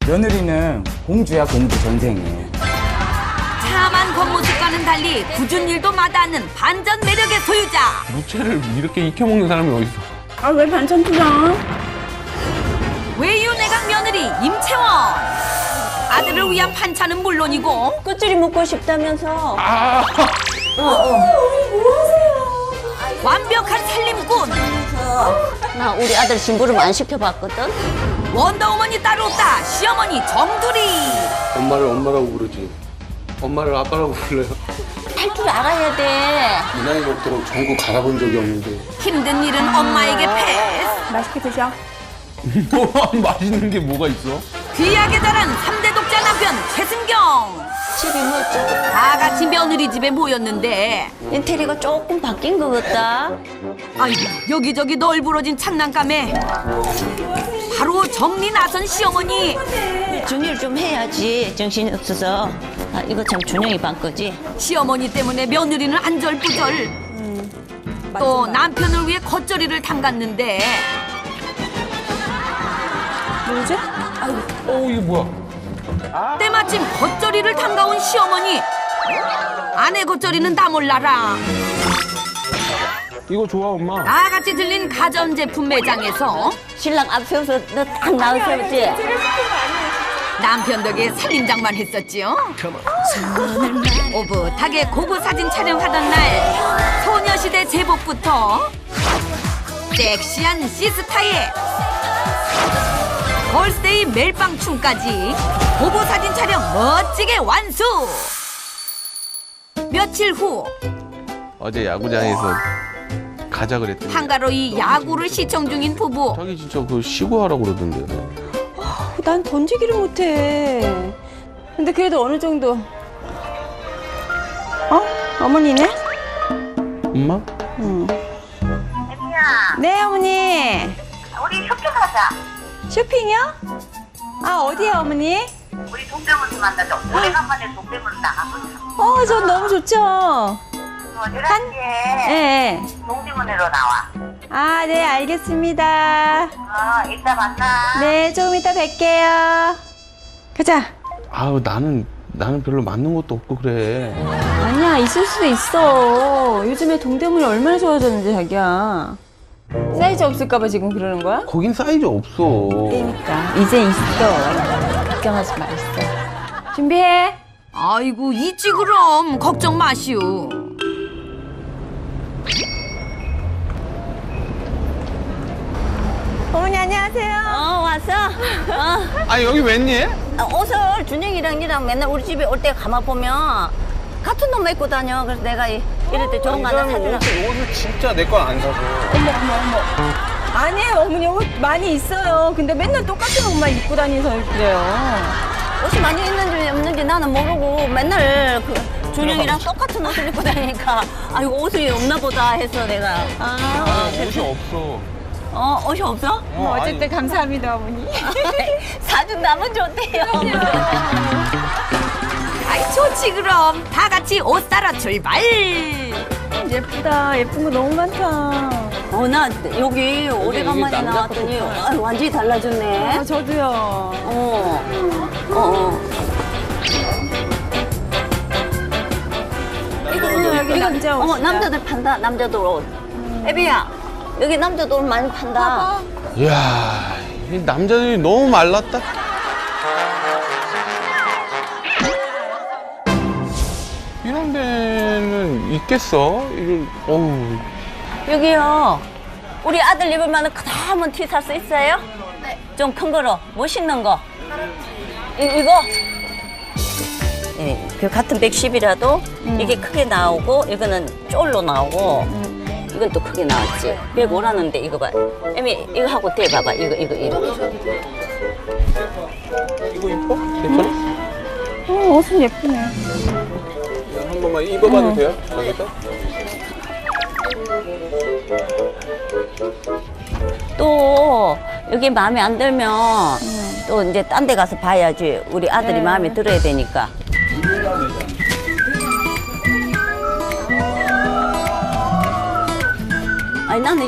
며느리는 공주야, 공주 전생에. 참한 겉모습과는 달리 굳은 일도 마다않는 반전 매력의 소유자. 무채를 이렇게 익혀먹는 사람이 어딨어? 아, 왜 반찬 투정? 외유내각 며느리 임채원. 아들을 위한 반찬은 물론이고 끝줄이 먹고 싶다면서. 완벽한 살림꾼. 나 우리 아들 심부름 안 시켜봤거든. 원더우먼이 따로 없다. 시어머니 정두리. 엄마를 엄마라고 부르지. 엄마를 아빠라고 불러요. 할 줄 알아야 돼. 이 나이 먹도록 전국 갈아본 적이 없는데. 힘든 일은 엄마에게 패스. 맛있게 드셔. 맛있는 게 뭐가 있어? 귀하게 자란 3대 독자 남편 최승경. 집이 멋져. 다 같이 며느리 집에 모였는데 인테리어가 조금 바뀐 것 같다. 아이고 여기저기 널브러진 장난감에 바로 정리 나선 시어머니. 정리를 좀 해야지. 정신이 없어서. 아, 이거 참 준영이 반 거지. 시어머니 때문에 며느리는 안절부절. 또 남편을 위해 겉절이를 담갔는데 뭐지? 이게 뭐야? 때마침 겉절이를 담가온 시어머니. 아내 겉절이는 다 몰라라. 이거 좋아, 엄마. 다 같이 들린 가전제품 매장에서 신랑 앞서서 너 딱 나오셨지? 남편 덕에 살림장만 했었지요. 오붓하게 고고 사진 촬영하던 날 소녀시대 제복부터 섹시한 시스타에 걸스데이 멜빵춤까지 고고 사진 촬영 멋지게 완수. 며칠 후 어제 야구장에서 가자 그랬더니 한가로이 야구를 시청 중인 부부. 자기 진짜 그거 쉬고 하라고 그러던데. 난 던지기를 못해. 근데 그래도 어느 정도. 어머니네? 엄마? 네, 어머니. 우리 쇼핑하자. 쇼핑이요? 아, 어디요, 어머니? 우리 동대문에서 만나자. 오래간만에 동대문 나가보자. 전 너무 좋죠. 11시에 네. 동대문으로 나와. 아, 네, 알겠습니다. 이따 만나. 네, 조금 이따 뵐게요. 가자. 아우, 나는 별로 맞는 것도 없고 그래. 아니야, 있을 수도 있어. 요즘에 동대문이 얼마나 좋아졌는지, 자기야. 사이즈 없을까봐 지금 그러는 거야? 거긴 사이즈 없어. 그러니까 이제 있어. 걱정하지 말았어. 준비해. 아이고 있지 그럼 걱정 마시오. 어머니 안녕하세요. 왔어? 아니, 여기 웬일? 옷을 준영이랑 니랑 맨날 우리 집에 올 때 가만 보면 같은 옷만 입고 다녀. 그래서 내가 이럴 때 좋은 거 하나 사주라. 옷을 진짜 내 건 안 사서. 아니에요, 어머니 옷 많이 있어요. 근데 맨날 똑같은 옷만 입고 다니서 그래요. 옷이 많이 있는지 없는지 나는 모르고 맨날 그 준영이랑 똑같은 옷을 입고 다니니까 아이고 옷이 없나 보다 해서 내가 옷이 없어. 옷이 없어? 어쨌든 감사합니다, 어머니. 사준다면 좋대요. 아이 좋지 그럼 다 같이 옷 사러 출발. 예쁘다. 예쁜 거 너무 많다. 나 여기 오래간만에 남자 나왔더니 완전히 달라졌네. 아, 저도요. 여기 남자 옷. 남자들 판다. 남자들 옷. 애비야, 여기 남자들 옷 많이 판다. 이야, 이 남자들이 너무 말랐다. 이런 데는 있겠어? 이거, 어우. 여기요. 우리 아들 입을 만한 크다란 티 살 수 있어요? 네. 좀 큰 거로, 멋있는 거. 이거? 네, 그 같은 110이라도 이게 크게 나오고, 이거는 쫄로 나오고, 이건 또 크게 나왔지. 105라는데 이거 봐. 애미, 이거 하고 대봐봐. 이거. 이거 이뻐? 괜찮아? 옷은 예쁘네. 한 번만 입어봐도 돼요? 여기서? 또 여기 마음에 안 들면 또 이제 딴 데 가서 봐야지. 우리 아들이 마음에 들어야 되니까. 아니 나는